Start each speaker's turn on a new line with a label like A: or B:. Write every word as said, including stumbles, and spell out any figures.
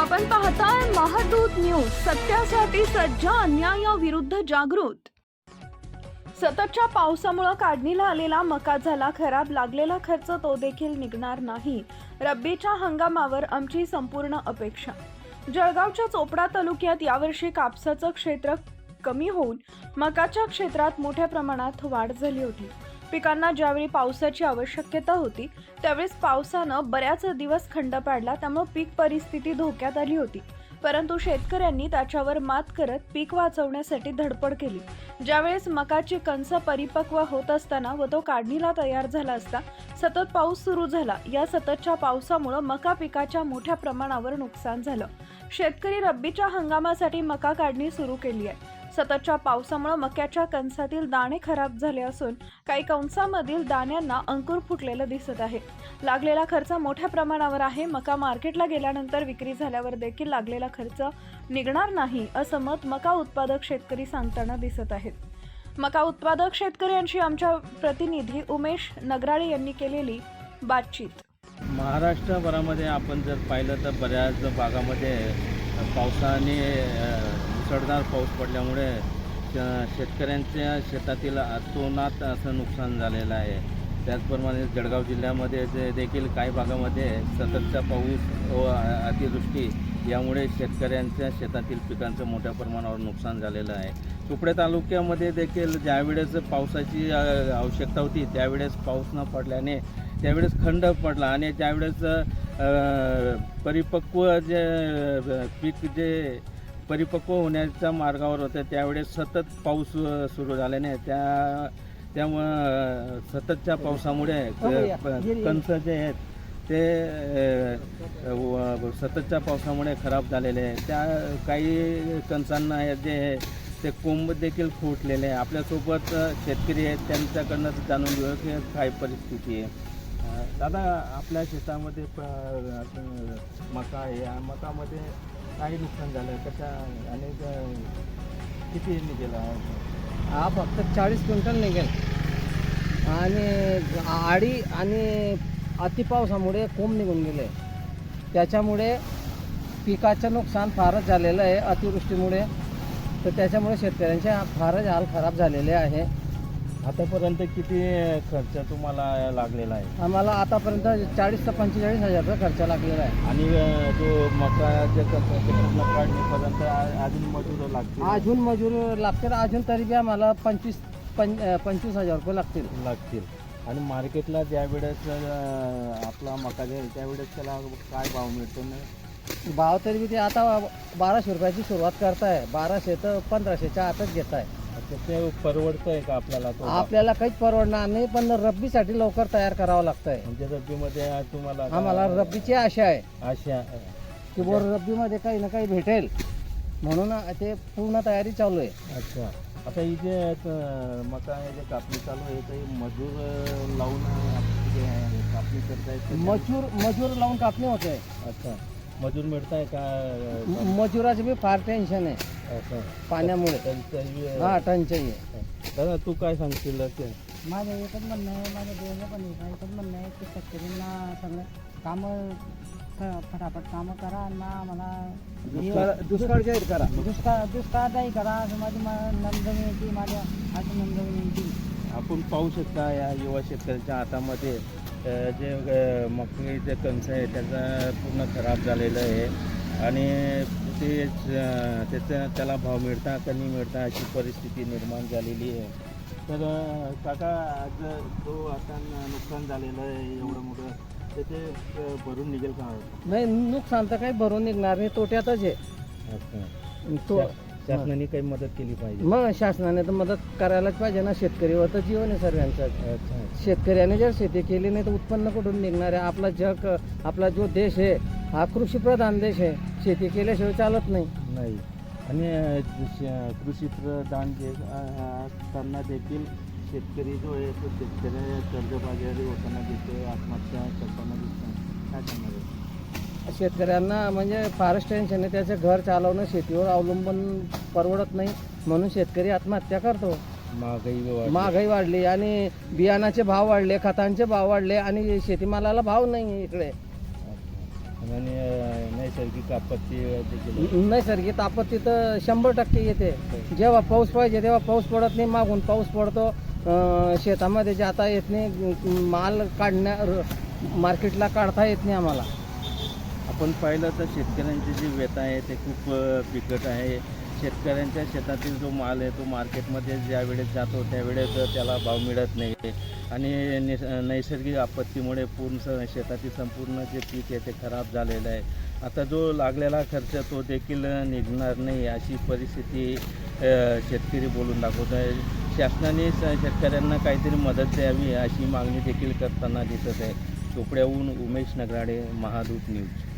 A: आपण पाहताय महादूत न्यूज, सत्यासाठी सज्ज, अन्यायाविरुद्ध जागृत। सततच्या पावसामुळे काढणीला आलेला मका झाला खराब, लागलेला खर्च तो देखील निघणार नाही। रब्बीच्या हंगामावर आमची संपूर्ण अपेक्षा। जळगावच्या चोपडा तालुक्यात यावर्षी कापसाचं क्षेत्र कमी होऊन मकाच्या क्षेत्रात मोठ्या प्रमाणात वाढ झाली होती। पिकांना ज्यावेळी पावसाची आवश्यकता होती त्यावेळेस पावसानं बऱ्याच दिवस खंड पाडला, त्यामुळे पीक परिस्थिती धोक्यात आली होती। परंतु शेतकऱ्यांनी त्याच्यावर मात करत पीक वाचवण्यासाठी धडपड केली। ज्यावेळेस मकाची कणस परिपक्व होत असताना व तो काढणीला तयार झाला असता सतत पाऊस सुरू झाला। या सततच्या पावसामुळे मका पिकाच्या मोठ्या प्रमाणावर नुकसान झालं। शेतकरी रब्बीच्या हंगामासाठी मका काढणी सुरू केली आहे। सततच्या पावसामुळे मक्याच्या कणसातील दाणे खराब झाले असून काही कणसामधील दाण्यांना अंकुर फुटलेलं दिसत आहे। लागलेला खर्च मोठ्या प्रमाणावर आहे। मका मार्केटला गेल्यानंतर विक्री झाल्यावर देखील लागलेला खर्च निघणार नाही असं मत मका उत्पादक शेतकरी सांगताना दिसत आहेत। मका उत्पादक शेतकऱ्यांशी आमच्या प्रतिनिधी उमेश नगराळे यांनी केलेली बातचीत।
B: महाराष्ट्रभरामध्ये आपण जर पाहिलं तर बऱ्याच भागामध्ये पावसाने मुसळधार पाऊस पडल्यामुळे शेतकऱ्यांच्या शेतातील अतोनात असं नुकसान झालेलं आहे। त्याचप्रमाणे जळगाव जिल्ह्यामध्ये जे देखील काही भागामध्ये सततचा पाऊस व अतिवृष्टी यामुळे शेतकऱ्यांच्या शेतातील पिकांचं मोठ्या प्रमाणावर नुकसान झालेलं आहे। चोपडा तालुक्यामध्ये देखील ज्यावेळेस पावसाची आवश्यकता होती त्यावेळेस पाऊस न पडल्याने त्यावेळेस खंड पडला आणि त्यावेळेस परिपक्व जे पीक जे परिपक्व होण्याच्या मार्गावर होतं त्यावेळेस सतत पाऊस सुरू झाल्याने त्या त्यामुळं सततच्या पावसामुळे कणस जे आहेत ते सततच्या पावसामुळे खराब झालेले आहे। त्या काही कणसांना जे ते कोंब देखील फुटलेले आहे। आपल्यासोबत शेतकरी आहेत, त्यांच्याकडनं जाणून घेऊ की काय परिस्थिती आहे। दादा, आपल्या शेतामध्ये मका आहे, या मकामध्ये काही नुकसान झालं कशा आणि किती निघेल?
C: हा फक्त चाळीस क्विंटल निघेल आणि आडी आणि अतिपावसामुळे कोंब निघून गेले, त्याच्यामुळे पिकाचं नुकसान फारच झालेलं आहे अतिवृष्टीमुळे। तर त्याच्यामुळे शेतकऱ्यांचे फारच हाल खराब झालेले आहे।
B: आतापर्यंत किती खर्च तुम्हाला लागलेला आहे?
C: आम्हाला आतापर्यंत चाळीस ते पंचेचाळीस हजारचा खर्च लागलेला आहे।
B: आणि जो मकाच्या काढणीपर्यंत अजून मजूर लागतील?
C: अजून मजूर लागतील, अजून तरी बी आम्हाला पंचवीस पं पंचवीस हजार रुपये लागतील
B: लागतील आणि मार्केटला ज्यावेळेस आपला मका जाईल त्यावेळेस त्याला काय भाव मिळतो? ना
C: भाव तरी बी ते आता बाराशे रुपयाची सुरुवात करताय, बाराशे तर पंधराशेच्या आतच घेत आहे।
B: ते परवडतंय का आपल्याला? तो
C: आपल्याला काहीच परवडणार नाही, पण रब्बीसाठी लवकर तयार करावं लागतंय।
B: म्हणजे रब्बीमध्ये तुम्हाला
C: आम्हाला रब्बीची आशा आहे,
B: आशा
C: की बोर रब्बीमध्ये काही ना काही भेटेल म्हणून ते पूर्ण तयारी चालू आहे।
B: अच्छा, आता इथे मका जे कापणी चालू आहे तर मजूर लावून कापणी करतायत?
C: मजूर मजूर लावून कापणी होते।
B: अच्छा, मजूर मिळताय का?
C: मजुराचं बी फार टेन्शन आहे
B: असं
C: पाण्यामुळे, हा टंचाई आहे।
B: दादा, तू काय सांगशील?
C: माझं एकच म्हणणं आहे, माझ्या देवाला पण एकच म्हणणं आहे की शेतकऱ्यांना सगळं कामं फटाफट कामं करा ना, मला दुष्काळ जाहीर करा, दुष्काळ दुष्काळदायी करा असं माझी नंदनी येते, माझ्या असं नंदनी येते।
B: आपण पाहू शकता या युवा शेतकऱ्याच्या हातामध्ये जे मक्याचे कणस आहे त्याचा पूर्ण खराब झालेलं आहे आणि ते त्याचा त्याला भाव मिळता का नाही मिळता अशी परिस्थिती निर्माण झालेली आहे। तर काका, आज जो आता नुकसान झालेलं आहे एवढं मोठं, तर ते भरून निघेल का?
C: नाही, नुकसान तर काही भरून निघणार नाही, तोट्यातच आहे।
B: अच्छा,
C: तो
B: शासनाने काही मदत केली पाहिजे?
C: मग शासनाने तर मदत करायलाच पाहिजे ना, शेतकरीवर तर जीवन आहे सर्वांचं। शेतकऱ्याने जर शेती केली नाही तर उत्पन्न कुठून निघणार आहे? आपला जग, आपला जो देश आहे हा कृषीप्रधान देश आहे, शेती केल्याशिवाय चालत नाही
B: नाही आणि कृषीप्रधान जे असताना देखील शेतकरी जो आहे तो शेतकरी कर्जबाजारी होताना दिसतो, आत्महत्या करताना दिसतो, काय करणार आहे?
C: शेतकऱ्यांना म्हणजे फारच टेन्शन आहे, त्याचं घर चालवणं शेतीवर अवलंबून परवडत नाही म्हणून शेतकरी आत्महत्या करतो।
B: महागाई
C: महागाई वाढली आणि बियाणाचे भाव वाढले, खतांचे भाव वाढले आणि शेतीमालाला भाव नाही इकडे।
B: आणि अं, नैसर्गिक आपत्ती देखील
C: नैसर्गिक आपत्ती तर शंभर टक्के येते. जेव्हा पाऊस पाहिजे तेव्हा पाऊस पडत नाही, मागून पाऊस पडतो, अं, शेतामध्ये जाता येत नाही, माल काढण्या मार्केटला काढता येत नाही आम्हाला.
B: आपण पाहिलं तर शेतकऱ्यांची जी व्यथा आहे ते खूप अ, बिकट आहे. शेतकऱ्यांच्या शेतातील जो माल आहे तो मार्केटमध्ये ज्या वेळेस जातो त्यावेळेस त्याला भाव मिळत नाही आणि निस नैसर्गिक आपत्तीमुळे पूर्ण स- शेतातील संपूर्ण जे पीक आहे ते खराब झालेलं आहे. आता जो लागलेला खर्च तो देखील निघणार नाही अशी परिस्थिती अ, शेतकरी बोलून दाखवत आहे. शासनाने स- शेतकऱ्यांना काहीतरी मदत द्यावी अशी मागणी देखील करताना दिसत आहे. चोपड्याहून उमेश नगराडे, महादूत न्यूज.